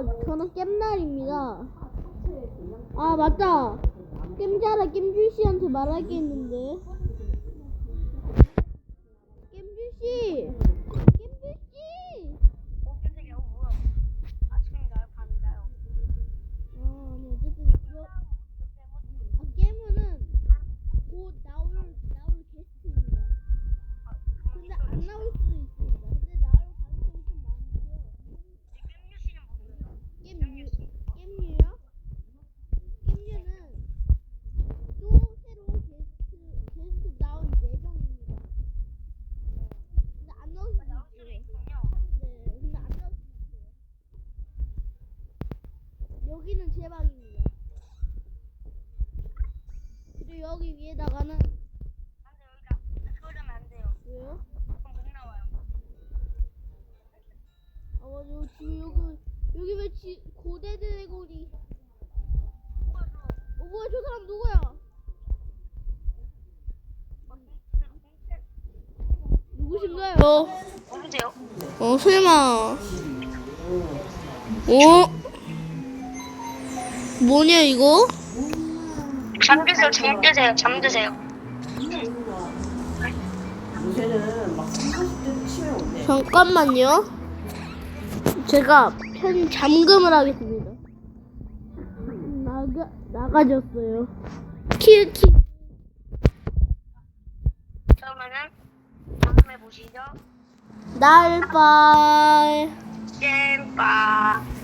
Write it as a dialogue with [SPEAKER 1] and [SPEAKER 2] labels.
[SPEAKER 1] 저는 겜날입니다. 아, 맞다. 겜자라 겜줄씨한테 말할 게 있는데. 겜줄씨! 겜줄씨!
[SPEAKER 2] 깜짝이야. 뭐야? 아침인가요? 밤인가요?
[SPEAKER 1] 아니, 어쨌든, 게임은 곧 나올 게스트입니다. 근데 안 나올 수도 있습니다. 근데 나올 가능성이 좀 많고요.
[SPEAKER 2] 겜유 씨는 뭐예요?
[SPEAKER 1] 겜유요? 겜유는 또 새로 게스트 나올 예정입니다. 근데 안 나올 수도
[SPEAKER 2] 나올 수도
[SPEAKER 1] 있어요.
[SPEAKER 2] 있군요.
[SPEAKER 1] 네, 근데 안 나올 수도 있어요. 여기는 제 방입니다. 그리고 여기 위에다가는
[SPEAKER 2] 안 돼, 여기다. 그러면 안 돼요.
[SPEAKER 1] 왜요?
[SPEAKER 2] 그럼 못 나와요.
[SPEAKER 1] 아, 맞아. 지금 여기 왜 고대 드래곤이? 뭐야, 저 사람 누구야? 누구신가요?
[SPEAKER 2] 누구세요?
[SPEAKER 1] 설마. 뭐냐, 이거?
[SPEAKER 2] 잠드세요. 잠드세요. 잠드세요.
[SPEAKER 3] 요새는 막 40대도 치매 온대.
[SPEAKER 1] 잠깐만요. 제가 잠금을 하겠습니다. 나가졌어요. 키키.
[SPEAKER 2] 그러면은 다음에 보시죠.
[SPEAKER 1] 날빨.
[SPEAKER 2] 잼빠.